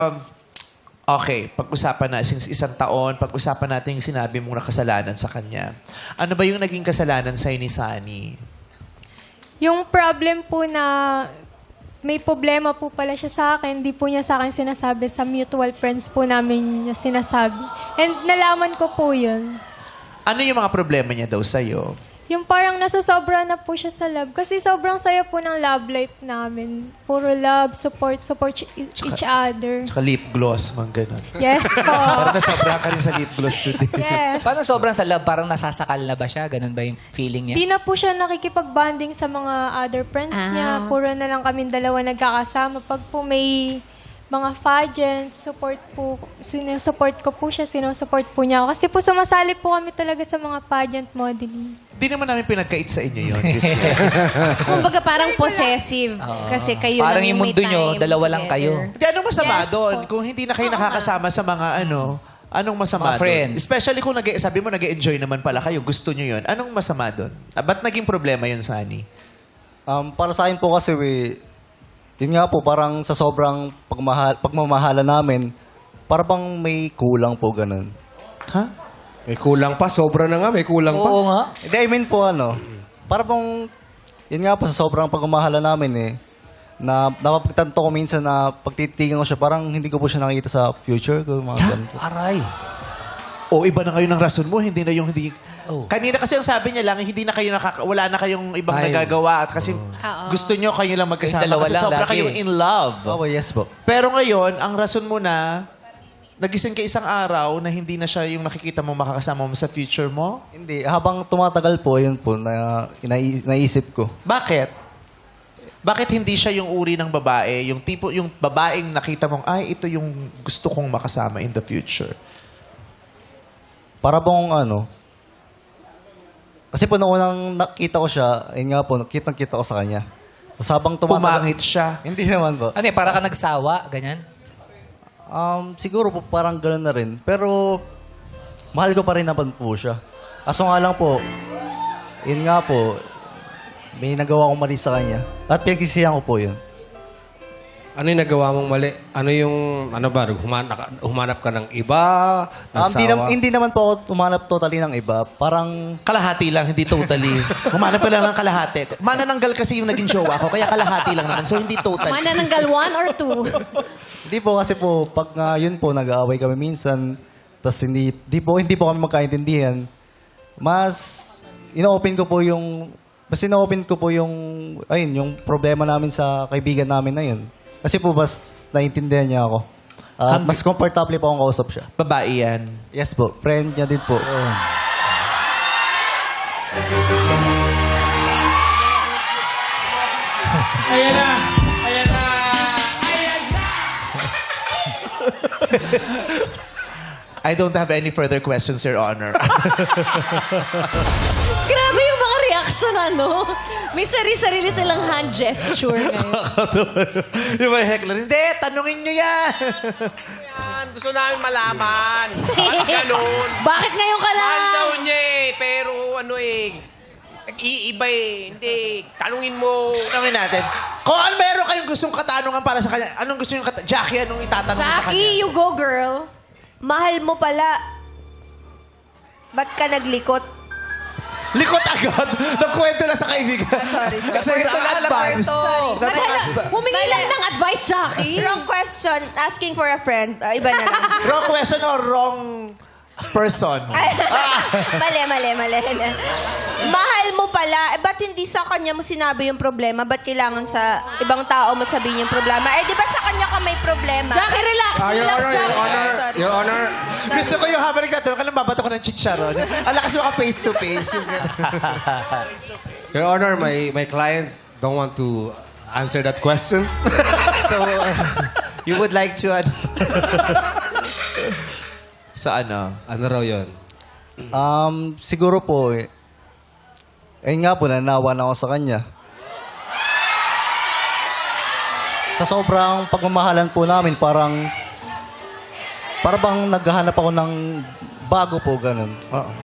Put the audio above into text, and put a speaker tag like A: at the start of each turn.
A: Okay, pag-usapan na, since isang taon, pag-usapan natin yung sinabi mong nakasalanan sa kanya. Ano ba yung naging kasalanan sa'yo ni Sunny?
B: Yung problem po na may problema po pala siya sa akin, hindi po niya sa akin sinasabi, sa mutual friends po namin niya sinasabi. And nalaman ko po yun.
A: Ano yung mga problema niya daw sa'yo?
B: Yung parang nasasobra na po siya sa love. Kasi sobrang saya po ng love life namin. Puro love, support each other.
A: Tsaka lip gloss, mga ganun.
B: Yes po.
A: Parang nasobra ka rin sa lip gloss today.
B: Yes.
C: Paano sobrang sa love? Parang nasasakal na ba siya? Ganun ba yung feeling niya?
B: Di na po siya nakikipag-bonding sa mga other friends niya. Puro na lang kami dalawa nagkakasama. Pag po may mga pageants, sinusupport ko po siya, sinusupport po niya ako. Kasi po sumasali po kami talaga sa mga pageant modeling.
A: Di naman namin pinagkait sa inyo yun.
D: So, kumbaga parang possessive. Kasi kayo
C: Parang
D: lang
C: yung
D: may
C: mundo nyo,
D: time
C: dalawa lang
D: together.
C: kayo.
A: Hindi, anong masama
B: Yes
A: doon?
B: po.
A: Kung hindi na kayo nakakasama sa mga anong masama
C: Mga
A: doon?
C: friends.
A: Especially kung sabi mo nag-enjoy naman pala kayo, gusto nyo yun. Anong masama doon? Ba't naging problema yun, Sunny?
E: Para sa akin po kasi, yun nga po, parang sa sobrang pagmamahala namin, parang bang may kulang po ganun.
A: Ha?
F: May kulang pa. Sobra na nga. May kulang pa.
C: Oo nga.
E: Hindi, I mean po parang bang, yun nga po, sa sobrang pagmamahala namin na napapagtanto ko minsan na pagtitigan ko siya, parang hindi ko po siya nakikita sa future ko, mga ganun po.
C: Aray.
A: O iba na kayo ng rason mo, hindi na yung hindi...
C: Oh.
A: Kanina kasi ang sabi niya lang, hindi na kayo wala na kayong ibang
F: Ay.
A: nagagawa at kasi gusto nyo kayo lang magkasama
C: Kayong dalawa
A: kasi
C: lang
A: sobra
C: lagi.
A: kayong in love.
E: Oh, yes po.
A: Pero ngayon, ang rason mo na, nagising ka isang araw na hindi na siya yung nakikita mo makakasama mo sa future mo?
E: Hindi, habang tumatagal po, yun po, naisip ko.
A: Bakit? Bakit hindi siya yung uri ng babae, yung babaeng nakita mong, ay, ito yung gusto kong makasama in the future?
E: Para bang kasi po nung unang nakita ko siya, yun nga po, nakita ko sa kanya. So, habang tumatagal...
A: Pumangit siya.
E: Hindi naman po.
C: Ano para ka nagsawa? Ganyan?
E: Siguro po parang gano'n na rin. Pero, mahal ko pa rin naman po siya. Kaso nga lang po, yun nga po, may nagawa akong mali sa kanya. At pinagsisihan ko po yun.
F: Ano yung nagawa mong mali? Humanap ka ng iba? Nagsawa?
E: Hindi naman po ako umanap totally ng iba. Parang,
A: Kalahati lang, hindi totally. Humanap ka lang ng kalahati. Manananggal kasi yung naging jowa ko, kaya kalahati lang naman. So, hindi totally.
D: Manananggal 1 or 2?
E: hindi po kasi po, pag yun po, nag-aaway kami minsan, tapos hindi po kami magkaintindihan, mas ino-open ko po yung problema namin sa kaibigan namin na yun. Kasi po, mas naiintindihan niya ako. Mas comfortable po akong kausap siya.
A: Babae yan.
E: Yes po, friend niya din po.
G: Ayan na! Ayan na! Ayan na!
A: I don't have any further questions, Your Honor.
D: Grabe yung mga reaction, May sarili-sarili silang hand gesture ngayon.
A: Yung mga heckler, hindi, tanungin nyo yan.
H: Yan, gusto namin malaman. Bakit ganun?
D: Bakit ngayon ka lang?
H: Mahal daw niya pero nag-iiba Hindi, tanungin mo.
A: Tanungin natin. Kung meron kayong gustong katanungan para sa kanya, anong gusto yung Jackie, anong itatanong mo sa kanya?
D: Jackie, you go, girl.
I: Mahal mo pala. Ba't ka naglikot?
A: Likot agad. Nagkwento lang sa kaibigan.
I: Sorry.
A: Kasi advance.
D: Humingi lang ng advice, Jackie.
I: Wrong question. Asking for a friend. Iba na lang.
A: Wrong question or wrong person?
I: Mali. Mahal mo pala. Ba't hindi sa kanya mo sinabi yung problema? Ba't kailangan sa ibang tao mo sabihin yung problema? Di ba sa kanya ka may problema?
D: Jackie, relax.
F: Your
D: Relax,
F: Honor, Your
D: Jackie.
F: Honor,
I: Sorry.
F: Your Honor.
A: Gusto ko yung habang nagtatanong ka lang, babato ko ng chicharon. Ang lakas mo ka face to face.
F: Your Honor, my clients don't want to answer that question.
A: So, you would like to... Sa ano?
F: Ano raw yun?
E: Siguro po, ayun nga po, nanawa na ako sa kanya. Sa sobrang pagmamahalan po namin, parang bang naghahanap ako ng bago po, ganun.